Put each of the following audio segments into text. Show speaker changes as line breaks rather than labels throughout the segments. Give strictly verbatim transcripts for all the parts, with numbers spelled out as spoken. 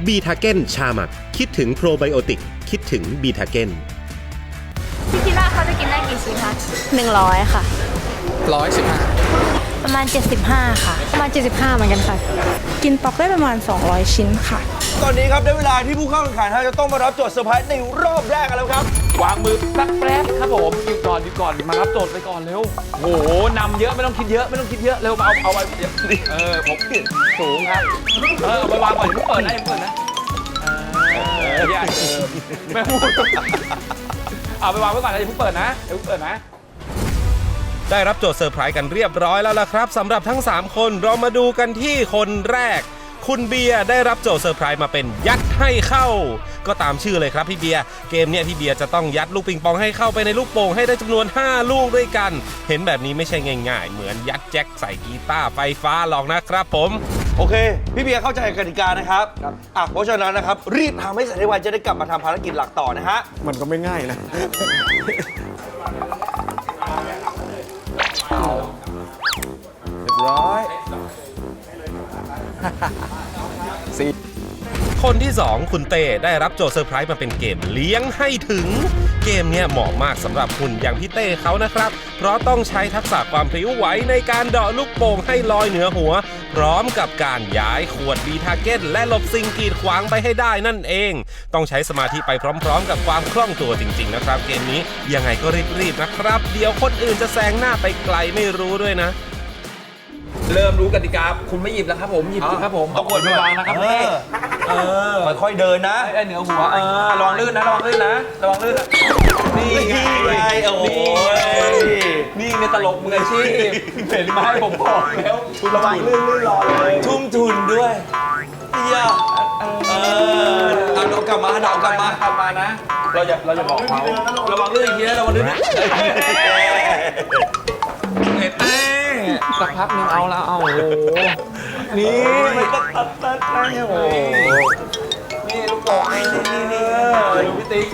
บีทาเก้นชาหมักคิดถึงโปรไบโอติกคิดถึงบีทาเก้น
พี่คิดว่าเขาจะกินได้กี่ชิ้นคะ
หนึ่งร้อยค่ะ
ร้อยสิบห้า
ประมาณเจ็ดสิบห้าค่ะประมาณเจ็ดสิบห้าเหมือนกันค่ะกินป๊อกได้ประมาณสองร้อยชิ้นค่ะ
ตอนนี้ครับได้เวลาที่ผู้เข้าแข่งขันจะต้องมารับโจทย์เซอร์ไพรส์ในรอบแรกกันแล้วครับ
วางมือสักแป๊บครับผมหยุดก่อนหยุดก่อนมารับโจทย์ไปก่อนเร็วโอ้โหนำเยอะไม่ต้องคิดเยอะไม่ต้องคิดเยอะเร็วมาเอาเอาไว้เออผมสูงครับเออเอาไปวางก่อนอย่าเพิ่งเปิดนะอย่าเพิ่งเปิดนะเอออย่าเออไม่พูดเอาไปวางไว้ก่อนนะอย่าเพิ่งเปิดนะอย่าเพิ่งเปิดนะ
ได้รับโจทย์เซอร์ไพรส์กันเรียบร้อยแล้วล่ะครับสำหรับทั้งสามคนเรามาดูกันที่คนแรกคุณเบียร์ได้รับโจทย์เซอร์ไพรส์มาเป็นยัดให้เข้าก็ตามชื่อเลยครับพี่เบียร์เกมนี้พี่เบียร์จะต้องยัดลูกปิงปองให้เข้าไปในลูกโป่งให้ได้จำนวนห้าลูกด้วยกันเห็นแบบนี้ไม่ใช่ง่ายๆเหมือนยัดแจ็คใส่กีตาร์ไฟฟ้าหรอกนะครับผม
โอเคพี่เบียร์เข้าใจกติกานะครับอ่ะเพราะฉะนั้นนะครับรีบทำให้เสร็จในวันจะได้กลับมาทำภารกิจหลักต่อนะฮะ
มันก็ไม่ง่ายนะเรียบร้อย
สี่คนที่สองคุณเต้ได้รับโจทย์เซอร์ไพรส์มาเป็นเกมเลี้ยงให้ถึงเกมเนี้ยเหมาะมากสำหรับหุ่นอย่างพี่เต้เขานะครับเพราะต้องใช้ทักษะความพริ้วไหวในการเดาะลูกโป่งให้ลอยเหนือหัวพร้อมกับการย้ายขวดบีทาเก้นและหลบสิ่งกีดขวางไปให้ได้นั่นเองต้องใช้สมาธิไปพร้อมๆกับความคล่องตัวจริงๆนะครับเกมนี้ยังไงก็รีบๆนะครับเดี๋ยวคนอื่นจะแซงหน้าไปไกลไม่รู้ด้วยนะ
เริ่มรู้กติกาคุณไม่หยิบแล้วครับผมหยิบสิครับผมเอาขวดไปวางนะครับพี่
เออค่อยๆเดินนะ
ไอ้เหนือหัวเออระวังลื่นนะระวังลื่นนะระวังลื่นนะนี่ไง
โอ้ย
นี่ในตลกมืออาชีพเห็นไหมผมบอกแล้วระวังลื่นลื่นรอเลย
ทุ่มทุนด้วยเยอะเออเอาดอกกลับมาดอกกลับมาก
ลับมานะเราจะเราจะบอกเขาระวังลื่นอีกทีนะระวังลื่นเห็นไหมสักพักนึงเอาละเอาโอ้โหนี่มันตัดตัดตัดตัดโอ้โหนี่ลูกโป่งนี่นี่นี่ดูพี่ติ๊ก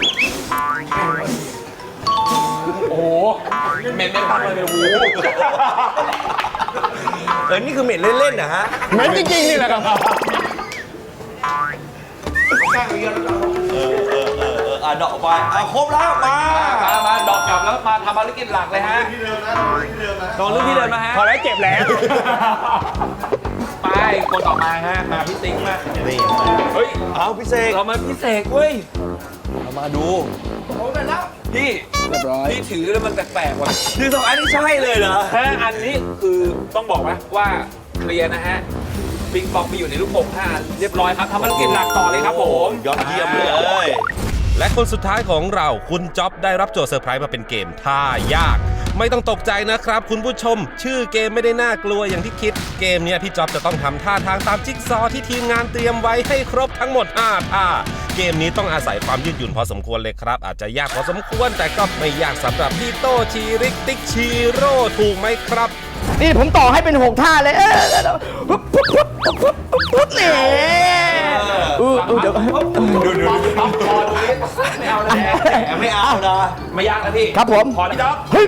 โอ้โหเหม็นไม่พักเลยโอ้โห
เออนี่คือเหม็นเล่นๆนะฮะ
เหม็นจริงๆนี่แหละครับ
เออเออเออเอออ่ะดอกไปอ่ะครบแล้วมา
มามาดอกกลับแล้วมาทำภารกิจหลักเลยฮะลองเรื่องที่เดินมาฮะ
พอแล้วเจ็บแล้ว
ไปคนต่อมาฮะมาพี่ติ๊กมาเฮ้ย
เอาพี่เสก
เรามาพี่เสกเว้ย
เรามาดู
พี่
เรียบร้อย
พี่ถือแล้วมันแปลกๆว่ะ
คือสองอันนี้ใช่เลยเหรอ
ฮะอันนี้คือต้องบอกว่าว่าเคลียร์นะฮะปิงปองไปอยู่ในลูกโป่งห้าเรียบร้อยครับทำภารกิจหลักต่อเลยครับผม
ยอดเยี่ยมเลย
และคนสุดท้ายของเราคุณจ๊อบได้รับโจทย์เซอร์ไพรส์มาเป็นเกมท่ายากไม่ต้องตกใจนะครับคุณผู้ชมชื่อเกมไม่ได้น่ากลัวอย่างที่คิดเกมนี้พี่จ๊อบจะต้องทำท่าทางตามจิ๊กซอว์ที่ทีมงานเตรียมไว้ให้ครบทั้งหมดห้าท่าเกมนี้ต้องอาศัยความยืดหยุ่นพอสมควรเลยครับอาจจะยากพอสมควรแต่ก็ไม่ยากสำหรับพี่โตชีริกติ๊กชีโร่ถูกไหมครับ
นี่ผมต่อให้เป็นหกท่าเลยเออปุ๊บปุ๊บปุ๊บปุ๊บปุ๊บนี่
ดูดูดูไม่เอาเลย
ไม่เอานะ
ไม่ยากนะพี่
ครับผม
พอแล้วจ๊อบ
เฮ้ย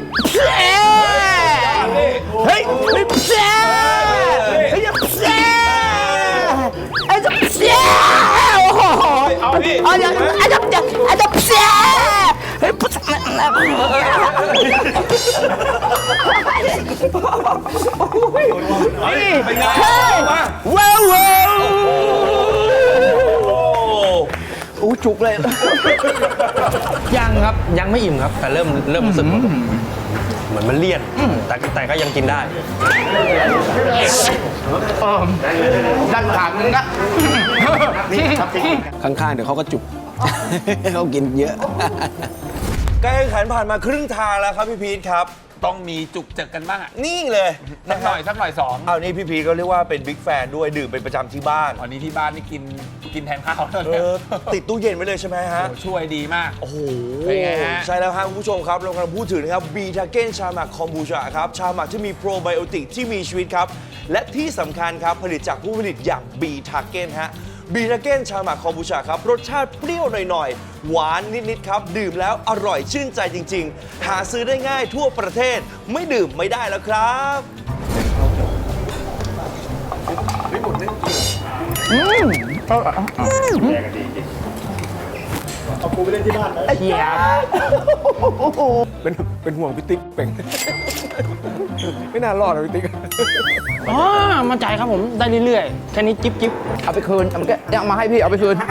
เฮ้ยเฮ้ยเจ้าเฮ้ยเจ้าไอ้เจ้าโอ้โห
เอาพี่
เอาอย่างไอ้เจ้าไอ้เจ้าเจ้าเฮ้ยปุ๊บ
นี่เป็นไง
ว้าวว้าวอู้จุกเลย
ยังครับยังไม่อิ่มครับแต่เริ่มเริ่มรู้สึกเหมือนมันเลี่ยนแต่แต่ก็ยังกินได้
ดันขาดนึงนะข้างๆเดี๋ยวเขาก็จุกเขากินเยอะ
การแข่งขันผ่านมาครึ่งทางแล้วครับพี่พีทครับ
ต้องมีจุกเจอกันบ้าง
นี่เลย
สักหน่อยสักหน่อยสอง
เอานี่พี่พีก็เรียกว่าเป็นบิ๊กแฟนด้วยดื่มเป็นประจำที่บ้าน
วันนี้ที่บ้านนี่กินกินแทนข้าว
เลยติดตู้เย็นไว้เลยใช่ไหมฮะ
ช่วยดีมาก
โอ้โหใช่แล้วครับคุณผู้ชมครับเรากำลังพูดถึงนะครับบีทาเก้นชาหมักคอมบูชาครับชาหมักที่มีโปรไบโอติกที่มีชีวิตครับและที่สำคัญครับผลิตจากผู้ผลิตอย่างบีทาเก้นฮะบีทาเก้นชาหมักคอมบูชาครับรสชาติเปรี้ยวหน่อยๆหวานนิดๆครับดื่มแล้วอร่อยชื่นใจจริงๆหาซื้อได้ง่ายทั่วประเทศไม่ดื่มไม่ได้แล้วครับ
เป็นเป็นห่วงพี่ติ๊กเป่ง ไม่น่ารอดนะพี่ติ๊ก
อ๋อมั่นใจครับผมได้เรื่อยๆ แค่นี้จิ๊บจิ๊บ
เอาไปคืนเอามาเอามาให้พี่เอาไปคืน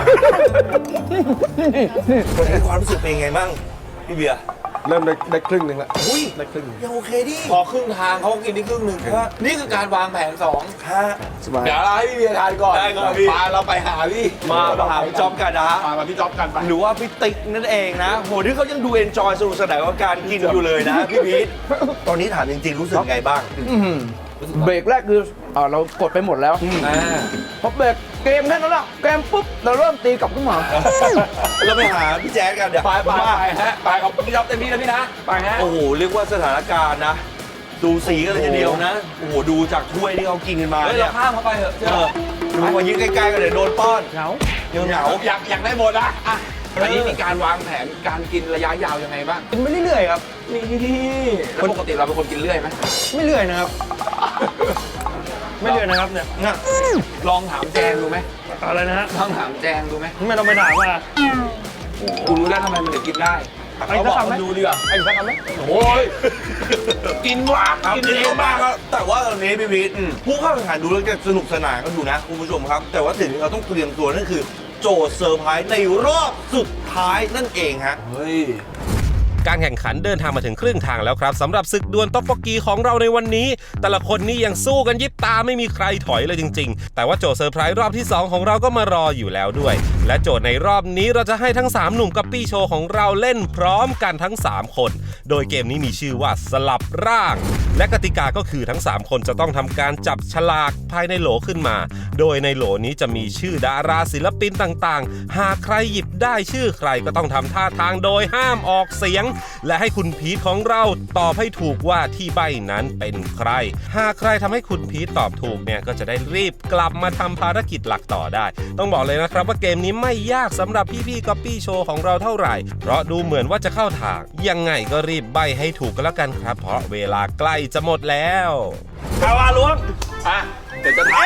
วันนี้ความรู้สึกเป็นยังไงบ้างพี่เบียร์
เริ่มได้ได้ครึ่งหนึ่งละ
อุ้ย
ได้ครึ่งหนึ่ง
ยังโอเคดิ
พอครึ่งทางเขาก็กินได้ครึ่งหนึ่งนี่คือการวางแผนสอง
ฮะ
สบาย
เดี๋ยวเราให้พี่เบียร์ทานก่อน
ได้ก่อนพี่
พาเราไปหาพี่
มามาหาพี่จ๊อบกันนะฮะ
มามาพี่จ๊อบกันไป
หรือว่าพี่ติ๊กนั่นเองนะโหที่เขายังดูเอนจอยสนุกสนานกับการกินอยู่เลยนะพี่พีทตอนนี้ถามจริงๆรู้สึกไงบ้าง
เบรกแรกคืออ่าเรากดไปหมดแล้วพอเบรกเกมแค่นั้นแหละเกมปุ๊บเราเริ่มตีกลับขึ้นมา
เราไปหาพี่แจ๊ดกันเดี๋ยว
ไปไป
ว่า
ไปฮะไปเอาพี่จ๊อบเต็มที่นะพี่นะไปฮะ
โอ้โหเรียกว่าสถานการณ์นะ ดูสีกันเลยทีเดียวนะโอ้โหดูจากถ้วยที่เขากินกันมา
เฮ้ย
เนี่
เรา
ย
ข้ามเข้าไปเถอะเชื่
เอ
อ
อดูมายืนใกล้ๆกันเลยโดนป้อน
เหงา
เดี๋ยวเหงา
อยากอยากได้หมดนะอ่ะอันนี้มีการวางแผนการกินระยะยาวยังไงบ้าง
กินไปเรื่อยๆครับ
นี่แล้วปกติเราเป็นคนกินเรื่อยไหม
ไม่เรื่อยนะครับ
ไม่เรื่อยนะครับเนี่ย
น่ะ
ลองถามแจงดูไหม
อะไรนะฮะ
ลองถามแจงดูไหม
ไม่ต้องไปถามว่า
กูรู้แล้วทำไมมันถึงกินได้
ไอ้สักคำไหม
ดูดีกว่า
ไอ้สักคำไหม
โอ้ยกินวะ
ครับ
กิน
กิน
เย
เย
อะมาม
อะาก กครับแต่ว่าตอนนี้พี่พีทผู้เข้าแข่งขันดูแล้วจะสนุกสนานกันอยู่นะคุณผู้ชมครับ แต่ว่าสิ่งที่เราต้องเตรียมตัวนั่นคือโจทย์เซอร์ไพรส์ในรอบสุดท้ายนั่นเองฮะ
เฮ้ย
การแข่งขันเดินทางมาถึงครึ่งทางแล้วครับสำหรับศึกดวลต๊อกโบกีของเราในวันนี้ แต่ละคนนี่ยังสู้กันยิบตาไม่มีใครถอยเลยจริงๆ แต่ว่าโจทย์เซอร์ไพรส์รอบที่สองของเราก็มารออยู่แล้วด้วย และโจทย์ในรอบนี้เราจะให้ทั้งสามหนุ่มกัปปี้โชว์ของเราเล่นพร้อมกันทั้งสามคน โดยเกมนี้มีชื่อว่าสลับร่าง และกติกาก็คือทั้งสามคนจะต้องทำการจับฉลากภายในโหลขึ้นมา โดยในโหลนี้จะมีชื่อดาราศิลปินต่างๆ หากใครหยิบได้ชื่อใครก็ต้องทำท่าทางโดยห้ามออกเสียง และให้คุณพีทของเราตอบให้ถูกว่าที่ใบ้นั้นเป็นใคร หากใครทำให้คุณพีทตอบถูกเนี่ยก็จะได้รีบกลับมาทำภารกิจหลักต่อได้ ต้องบอกเลยนะครับว่าเกมนี้ไม่ยากสำหรับพี่ๆก๊อปปี้โชว์ของเราเท่าไหร่ เพราะดูเหมือนว่าจะเข้าทาง ยังไงก็รีบใบ้ให้ถูกกันแล้วกันครับ เพราะเวลาใกล้จะหมดแล้ว
เอาอาล้วง
อ่ะ เดี๋ยวจะทาย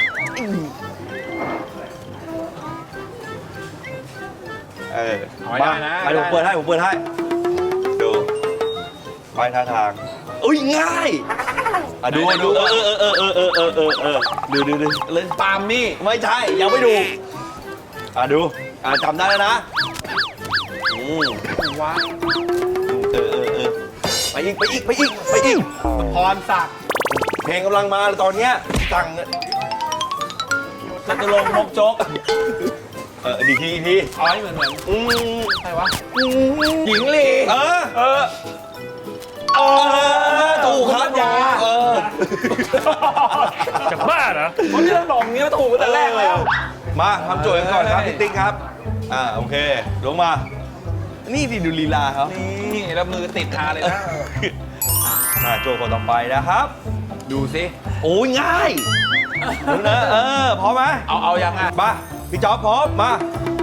เออ
เอาให้ได้นะ
มาผมเปิดให้ผมเปิดให้ดูไปท่าทางอุ้ยง่ายอ่ะดูดูเออเออเออเออเออเออเออดูดูดูเลย
ปาล์มนี่
ไม่ใช่ยังไม่ดูอ่ะดูอ่ะจำได้แล้วนะอืม
ว้า
เออเออเออไปอีกไปอีกไปอีกไปอีก
พรศักดิ์
เพลงกำลังมาเลยตอนเนี้ยสั่ง
จตุรงค์มกจก
เออดีทีที
เอาให้เหมือนเหมือน
อืม
ใครวะหญิงลี
เออ
เออ
เออถูกครับยาเออ
จะบ้าเหรอ
ผมที่เราบอกอย่างนี้ก็ถูกตั้งแต่แรกแล้ว
มาทำโจทย์กันก่อนครับพี่ติ๊กครับอ่าโอเคลงมา นี่ดิดูลีลาเขา
นี่แล้วมือติดทาเลยนะ
มาโจทย์คนต่อไปนะครับ
ดูสิ
โอ้ยง่ายดูนะเออพร้อมไหม
เอาเอายังอ่ะ
มาพี่จ๊อบพร้อมมา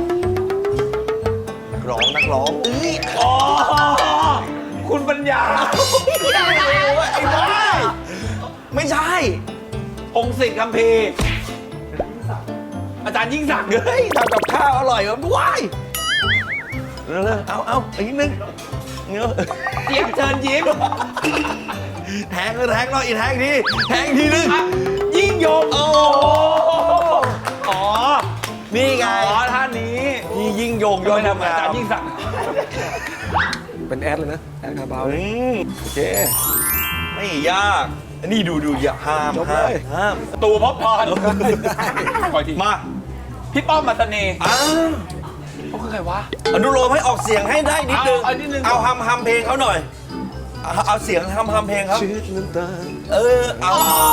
นักร้องนักร้องเอ้ย
อ๋อคุณปัญญา
ไอ้บ้าไม่ใช่
องค์สิทธิ์คัมภีร์อาจารย์ยิ่งศักดิ์
เฮ้ยทำกับข้าวอร่อยแบบว้ายเร็วๆเอาเอาอีกนิดนึงเงี้ย
เจี๊ยบเชิญยิ้ม
แทงเลยแทงหน่อยอีกแทงทีแทงทีนึง
อ่ะยิ่งยง
โอ้
อ๋อ
นี่ไง
อ๋อท่านนี้
พี่ยิ่งยงยอ
ไม่
ด
ทำอาจารย์ยิ่งศักดิ์
เป็นแอดเลยนะ แอดคาบาว
อืม
โอเค
ไม่ยากอันนี้ดูดูอย่าห้าม
จบ
ห้า
เล
ม
ย
ห้าม
ตูพบพรคอยที
มา
พี่ป้อมมาเสน่ห์
อ้าว
เขาคือใครวะ
อนุโลมให้ออกเสียงให้ได้นิดนึง
เอาเอานิดนึง
เอาฮัมฮัมเพลงเขาหน่อยเอาเอาเสียงฮัมฮัมเพลงเขา
ชีวิตน้ำตา
เออเอา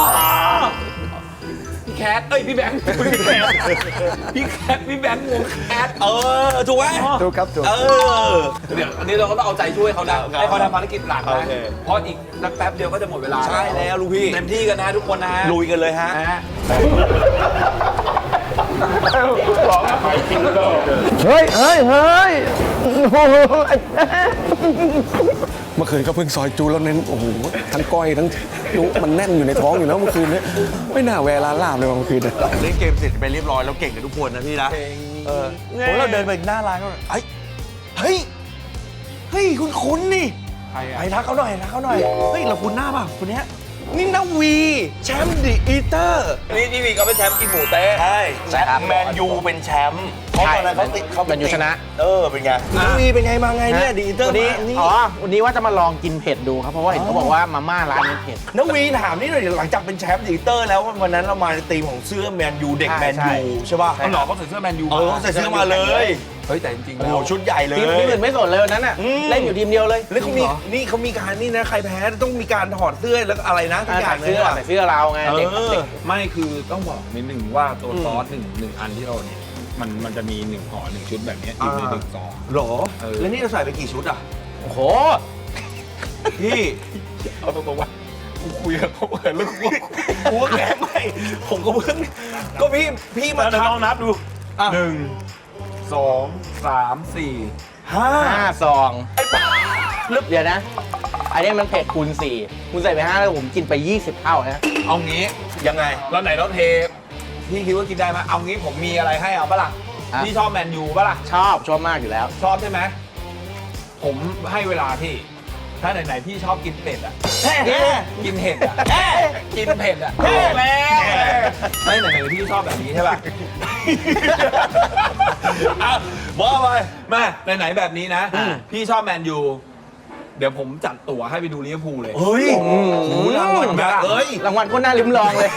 พี่แคทเอ้ยพี่แบงค์พี่แคทพี่แคทพี่แบงค์วงแคท
เออถูกไหม
ถูกครับถูก
เออ
เดี๋ยวอันนี้เราก็ต้องเอาใจช่วยเขานะครับ ให้เขาทำภารกิจหลัก
โอ
นะ
เค
เพราะอีกนักแป๊บเดียวก็จะหมดเวลา
ใช่แล้วลูกพี่
เต็มที่กันนะทุกคนนะฮะ
ลุยกันเลยฮะ
นะฮะ
เฮ้ยเฮ้ยเฮ้ยโอ้โหไอ้
เมื่อคืนก็เพิ่งซอยจูแล้วเน้นโอ้โหทั้งก้อยทั้งจุมันแน่นอยู่ในท้องอยู่แล้วเมื่อคืนนี้ไม่น่าแวะร้านลาบเลยว่ะเมื่อคืนเนี่ย
เล่นเกมเสร็จไปเรียบร้อยแล้วเก่งกันทุกคนนะพี่นะเออผมเราเดินไปหน้าร้านก็เฮ้ยเฮ้ยเฮ้ยคุณคุ้นนี่ไปทักเขาหน่อยทักเขาหน่อยเฮ้ยเราคุ้นหน้าป่ะคนเนี้ยนี่นาวีแชมป์ดิอีเตอร์นี่นี่วีเขาเป็นแชมป์กินหมูเต้ใช่แชมป์แมนยูเป็นแชมป์เพราะตอนนั้นเขาติดเขา
แมนยูชนะ
เออเป็นไงนาวีเป็นไงมาไงเนี่ยดิอีเตอร์
วันนี้
มานี่
อ๋อวันนี้ว่าจะมาลองกินเผ็ดดูครับเพราะว่าเห็นเขาบอกว่ามาม่าร้านนี้เผ็ด
นาวีถามนี่หน่อยหลังจากเป็นแชมป์ดิอีเตอร์แล้ววันนั้นเรามาในทีมของเสื้อแมนยูเด็ก
ใช่
แมน
ใช่
ยูใช่ป่ะ
เขาหลอกเขาใส่เสื้อแมนยู
เออเขาใส่เสื้อมาเลย
เฮ้ยแต่จริงๆ
โอ้
แล้
โห
ว
ชุดใหญ่เลย
ทีมทีมอื่นไม่สนเลยวันนั้นอ่ะ
อืม
เล่นอยู่ทีมเดียวเลย
แล้วเขามีนี่เขามีการนี่นะใครแพ้ต้องมีการถอดเสื้อแล้วก็อะไรนะทุกอย่า
ใส่
งเลย
เสื้อ
ว่ะ
ใส่เสื้อเราไง
เอ
เด็ก
อ
เด็ก
ไม่คือต้องบอกนิดนึงว่าตัวซอสหนึ่งหนึ่งอันที่เราเนี่ยมันมันจะมีหนึ่งห่อหนึ่งชุดแบบเนี้ยอยู่ในหนึ่งซอง
หรอ
เออ
แล้วนี่เราใส่ไปกี่ชุดอ่ะ
โอ้โห
พี่
เอาตรงๆว่ากูคุยกับเขาเปิดแล้วกู
กูก็แกไม่ผมก็เพิ่งก็พี่พี่มา
เดี๋ยว
ท
ลองนับดู
อ่ะ
หนึ่งสองสามสี่
ำห้า
ห้าซองเดี๋ยวนะ อันนี้มันเผ็ดคูณสี่คุณใส่ไปห้าแล้วผมกินไปยี่สิบเท่านะ
เอางี้
ยังไง
แล้วไหนเราเทพี่คิดว่ากินได้ไหมเอางี้ผมมีอะไรให้เอาปะล่ะ
อ่ะ
พี่ชอบแมนยูปะล่ะ
ชอบชอบมากอยู่แล้ว
ชอบใช่ไหมผมให้เวลาพี่ ถ้าไหนๆพี่ชอบกินเผ็ดอ่ะ
แฮ่แฮ่
กินเผ็ดอ่ะกินเผ็ดอ่ะแล้วไม่ไหนๆพี่ชอบแบบนี้ใช่ป่ะ อ่ะว่าไปมาไหนๆแบบนี้นะ พี่ชอบแมนยูเดี๋ยวผมจัดตั๋วให้ไปดูลิเวอร์พูลเลย
เฮ้ยโอ้โหรางวัลแบบเอ้ย
รางวัลก็น่าลิ้มลองเลย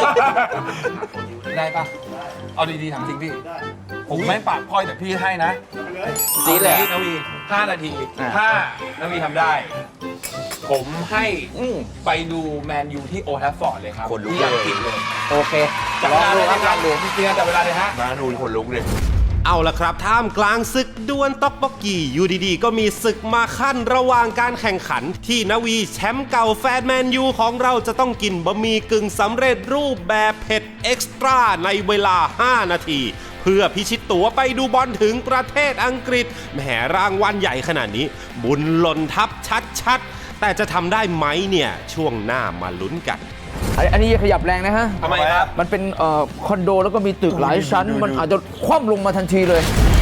ได้ปะเอาดีๆถามจริงพี่ ผมไม่ปากพลอยแต่พี่ให้นะ
จี๊ดเลย
นาวีห้านาที
อ่ะ
ถ้านาวีทำได้ ผมให้
อืม
ไปดูแมนยูที่โอลด์แทรฟฟอร์ดเลยครับ
คนลุก
ที่อังกฤษเลย
โอเค
จับ
ล
เว
อง
ลา
ดู
เลย
ครับลองดู
พี่เตียจับเวลาเลยฮะ
มาดูคนลุกเลย
เอาละครับท่ามกลางศึกดวลต๊อกบกกีอยู่ดีๆ ก็มีศึกมาขั้นระหว่างการแข่งขัน ที่นาวีแชมป์เก่าแฟนแมนยูของเราจะต้องกินบะหมี่กึ่งสำเร็จรูปแบบเผ็ดเอ็กซ์ตร้าในเวลา ห้า นาที เพื่อพิชิตตั๋วไปดูบอลถึงประเทศอังกฤษแหมรางวัลใหญ่ขนาดนี้บุญหล่นทับชัดๆ แต่จะทำได้ไหมเนี่ย ช่วงหน้ามาลุ้นกัน
อันอันนี้อย่าขยับแรงนะฮะ
ทำไมครับ
มันเป็นเอ่อคอนโดแล้วก็มีตึกหลายชั้น มันอาจจะคว่ำลงมาทันทีเลย